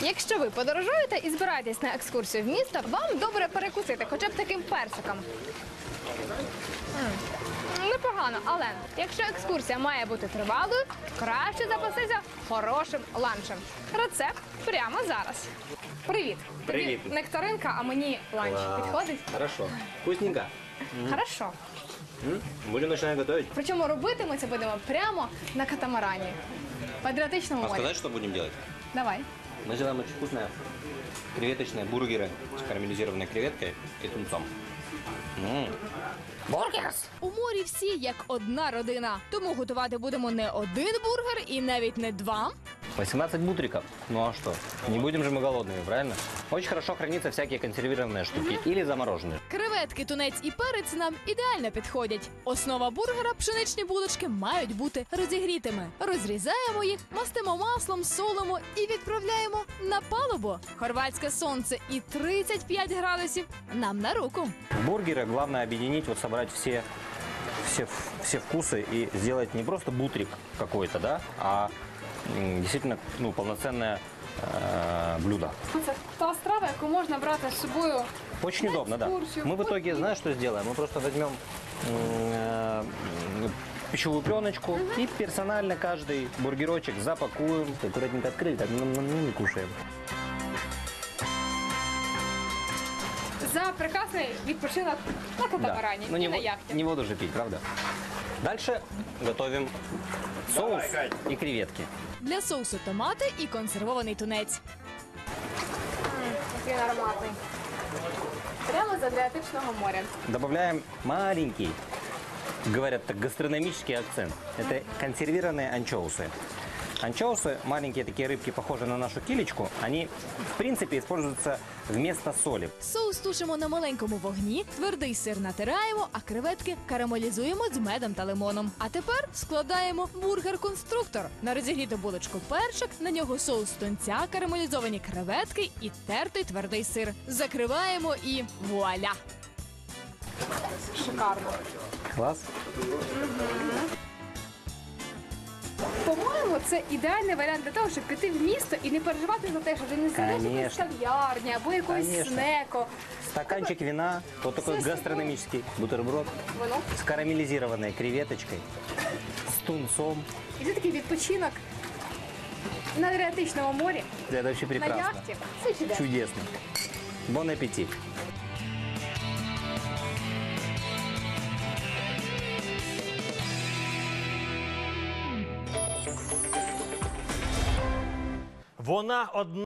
Якщо ви подорожуєте і збираєтесь на екскурсію в місто, вам добре перекусити хоча б таким персиком. Непогано, але якщо екскурсія має бути тривалою, краще запастися хорошим ланчем. Рецепт прямо зараз. Привіт. Привіт. Тобі нектаринка, а мені ланч. Підходить? Хорошо. Вкусненько. Хорошо. Будем начинать готовить. Причому робити ми це будемо прямо на катамарані. В Адріатичному морі. Сказать, что будем делать? Давай. Мы сделаем очень вкусные креветочные бургеры с карамелизированной креветкой и тунцом. Бургерс! У морі всі як одна родина. Тому готувати будемо не один бургер і навіть не два. 18 бутриков. Ну а что? Не будем же мы голодными, правильно? Очень хорошо хранятся всякие консервированные штуки или замороженные. Креветки, тунець і перець нам ідеально підходять. Основа бургера – пшеничні булочки мають бути розігрітими. Розрізаємо їх, мастимо маслом, солимо і відправляємо на палубу. Хорватське сонце і 35 градусів нам на руку. Бургеры главное объединить, вот собрать все вкусы и сделать не просто бутрик какой-то, да, а действительно полноценное блюдо. Це та страва, яку можна брати з собою. Очень удобно, да. Мы в итоге, знаешь, что сделаем? Мы просто возьмем пищевую пленочку и персонально каждый бургерочек запакуем, аккуратненько открыли, так не кушаем. За прекрасний відпочинок на катамарані і на яхті. Не воду же пить, правда? Дальше готовим соус и креветки. Для соусу томати і консервований тунець. Який ароматний. Прямо з Адріатичного моря. Добавляем маленький, говорят так, гастрономический акцент. Это консервированные анчоусы. Анчоусы, маленькие такие рыбки, похожие на нашу килечку, они, в принципе, используются вместо соли. Соус тушимо на маленькому вогні, твердий сир натираємо, а креветки карамелізуємо з медом та лимоном. А тепер складаємо бургер-конструктор. На розігріту булочку перчик, на нього соус тунця, карамелізовані креветки і тертий твердий сир. Закриваємо і вуаля! Шикарно. Класс. По-моєму, це ідеальний варіант для того, щоб піти в місто і не переживати за те, що ти не сидиш в якоїсь кав'ярні або якоїсь снеко. Стаканчик вина, вот такой гастрономический бутерброд Воно. с карамелизированной креветочкой, с тунцом. І це такий відпочинок на Адріатичному морі, Это вообще на прекрасно. яхті. Це чудесно. Чудесно. Бон аппетит. Вона одна.